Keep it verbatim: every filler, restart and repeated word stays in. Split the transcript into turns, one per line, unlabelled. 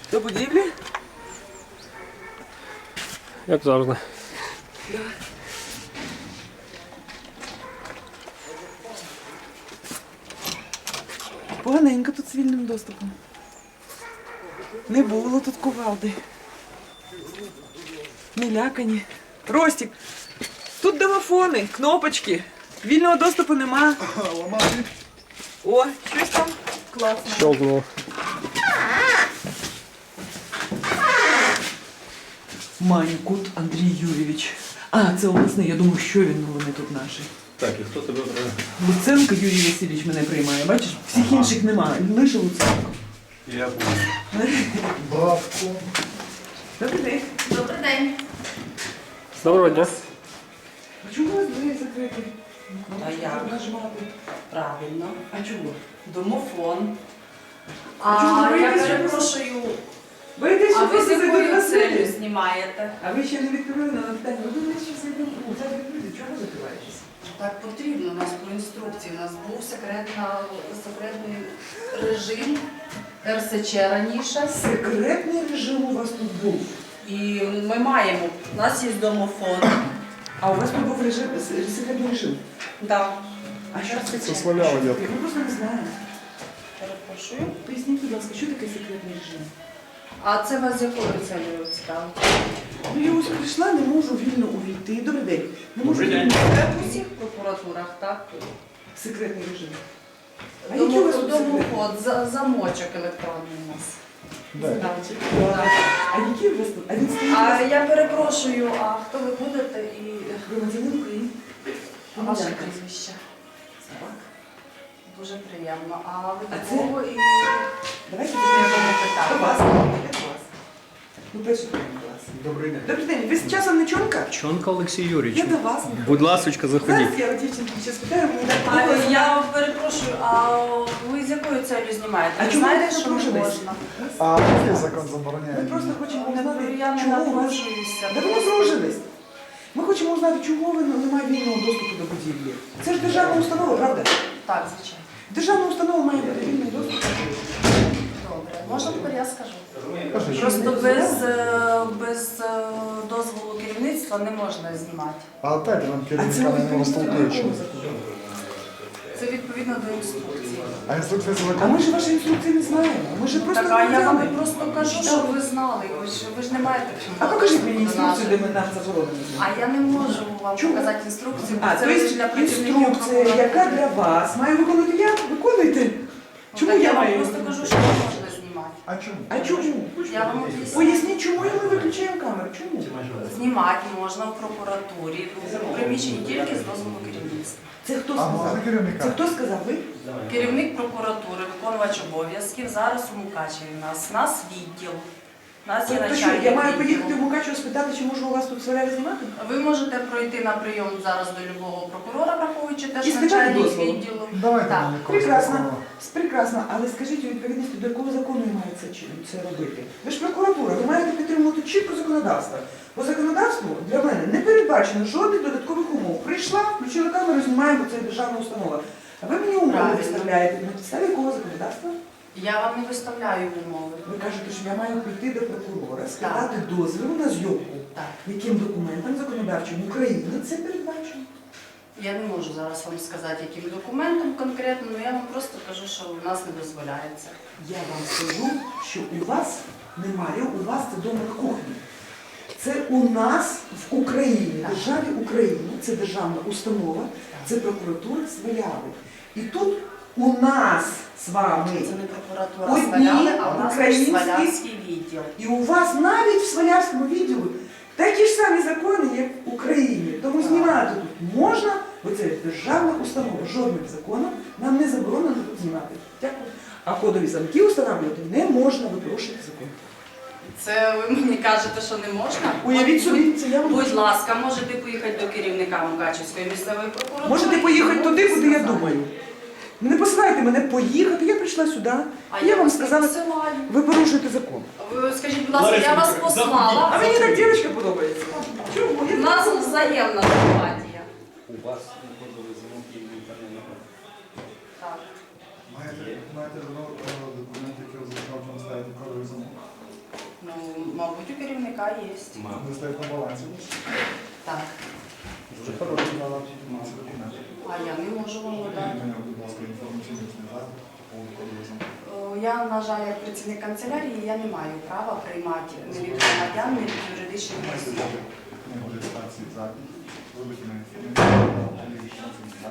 До будівлі?
Як завжди.
Да. Поганенько тут з вільним доступом. Не було тут кувалди. Не лякані. Ростик, тут домофони, кнопочки. Вільного доступу нема. О, щось там класно.
Щелкнуло.
Манькут Андрій Юрійович. А, це обласний, я думаю, що він, ну вони тут наші.
Так, і хто тебе прийме?
Луценко Юрій Васильович мене приймає, бачиш? Всіх ага. інших немає, лише Луценко.
Я буду.
Бабку. Добрий день.
Добрий день.
Доброго дня.
А чому у вас двері закриті?
А як?
Нажмати.
Правильно.
А чого?
Домофон.
А чому
А
ви
я
якось
перепрошую,
Боїтесь,
а
що
ви
просто
з
зайдуть
якою
на
целью
селі?
знімаєте?
А ви ще не відкрили на питання. Ви думаєте, що зайдуть? Ну, зараз відкрити. Чого закриваєтесь?
Так потрібно, у нас по інструкції. У нас був секретна, секретний режим ер ес че раніше.
Секретний режим у вас тут був.
І ми маємо, у нас є домофон.
А у вас тут був режим, секретний режим?
Да.
А що це?
Це славяла,
Ми просто не знаємо.
Перепрошую.
Поясніть, будь ласка, що таке секретний режим?
А це вас з якою целью цікавить?
Ну, я ось прийшла, не можу вільно увійти. Добрий день. Не можу
Добрий день.
вільно
Це в усіх прокуратурах, так?
Секретний режим. А який у вас тут секретний?
Домофон, за- замочок електронний у нас.
Значить, так. А який у вас тут? А він стоїть? у
А
вас?
я перепрошую, а хто ви будете і
Громадянин України.
ваше
Громадянка.
прізвище?
Собак.
Дуже приємно. А ви
А
до
це-
кого і
Давайте
я
я
вам
До
питаю?
вас. Я до вас. Ну, перший день до вас.
Добрий день.
Добрий день. Ви з часом не чонка?
Чонка Олексій
Я
Юрійович.
до вас.
Будь ласочка, заходіть.
Зараз я у дівчинки ще спитаю, мені
А
так
я перепрошую, а ви з якою целью знімаєте?
А
Ви
чому
знаєте,
ви
що не
напружились?
можна?
А який закон
Ми
забороняє?
просто хочемо узнати,
Я не
чому у вас...
напружуюся.
Да ви не напружились. Ми хочемо узнати, чому ви немає вільного доступу до будівлі. Це ж державна установа, правда?
Так, звичайно.
Державна установа має бути вільний доступ.
Добре. Можна тепер я скажу?
Кажи,
Просто без, е, без е, дозволу керівництва не можна знімати.
А дайте нам
А це
керівника на нього
відповідно до
столкуючи.
якого закону?
Це відповідно до інструкції.
А інструкція це
А
закон?
ми ж ваші інструкції не знаємо. Ми ж просто
Так, а я вам
громадяни.
просто кажу, що ви знали. Ви ж, ви ж не маєте
А покажіть мені
доступу до
інструкцію, де
нашої.
ми нам заборонено знімати.
А я не можу вам
Чому?
показати інструкцію, бо
А,
це
то
лише
є
для працівників
інструкція,
прокуратури.
яка для вас має виконувати я? Виконуйте.
Ну,
Чому
так
я
я вам
маю?
просто кажу, що не можна знімати.
А чому?
А чому?
Я вам об'ясню.
Поясніть, чому ми виключаємо камеру? Чому?
Знімати можна в прокуратурі, в приміщенні тільки з дозволу керівництва.
Це хто
А
сказав?
можна керівника?
Це хто сказав? Ви?
Керівник прокуратури, виконувач обов'язків, зараз у Мукачеві у нас. У нас відділ. У нас є
Тобто що,
начальник
я маю
відділу.
поїхати в Мукачево спитати, чи можу у вас тут солярі знімати?
Ви можете пройти на прийом зараз до любого прокурора, враховуючи те,
І
що
спитати
начальник
дозволу.
відділу.
Давайте
Так.
нам якогось
Прекрасно.
такого.
Прекрасно, але скажіть у відповідності, до якого закону я маю це, чи- це робити? Ви ж прокуратура, ви маєте підтримувати чітко законодавство. По законодавству для мене не передбачено жодних додаткових умов. Прийшла, включила камеру, знімаю, бо це державна установа. А ви мені умови
Правильно.
виставляєте на підставі якого законодавства?
Я вам не виставляю умови.
Ви кажете, що я маю прийти до прокурора, складати дозвіл на зйомку.
Так.
Яким документом законодавчим України це передбачено?
Я не можу зараз вам сказати, яким документом конкретно, але я вам просто кажу, що у нас не дозволяється.
Я вам скажу, що у вас немає, у вас це дома на кухні. Це у нас в Україні, в державі України, це державна установа, це прокуратура Сваляви. І тут у нас з вами,
Це не прокуратура
Одні
Сваляви, а у нас
українські-
Свалявський відділ.
і у вас навіть в Свалявському відділу такі ж самі закони, як в Україні. Тому знімати тут можна, бо це державна установа. Жодним законом нам не заборонено тут знімати. Дякую. А кодові замки встановлювати не можна, ви порушуєте закон.
Це ви мені кажете, що не можна?
Уявіть собі, це я вам
Будь
кажу.
ласка, можете поїхати до керівника Мукачевської місцевої прокуратури.
Можете поїхати
і
туди, куди я
сказати.
думаю. Не посилайте мене поїхати, я прийшла сюди.
А
я
я
вам
вас не
сказала,
посилаю.
ви порушуєте закон.
Ви скажіть, будь ласка,
Лариса
я вас
Вікторівна,
послала.
А мені так дівчинка подобається. Чому?
У
Я
нас взаємна симпатія.
У вас кодовий замок і інтернет.
Так.
Маєте, маєте документ, який означав, що ви ставите кодовий замок?
Мабуть, у керівника є.
Мабуть.
Не стоїть на балансі.
Так.
Дуже хороший.
Ці документи.
А я не можу вам надати.
Мені, будь ласка, інформаційний засіб по поводу коду.
Е, Я, на жаль, як працівник канцелярії, я не маю права приймати ні від громадян, ні від юридичних осіб.
Книгу реєстрації запит. Вибити на інформацію.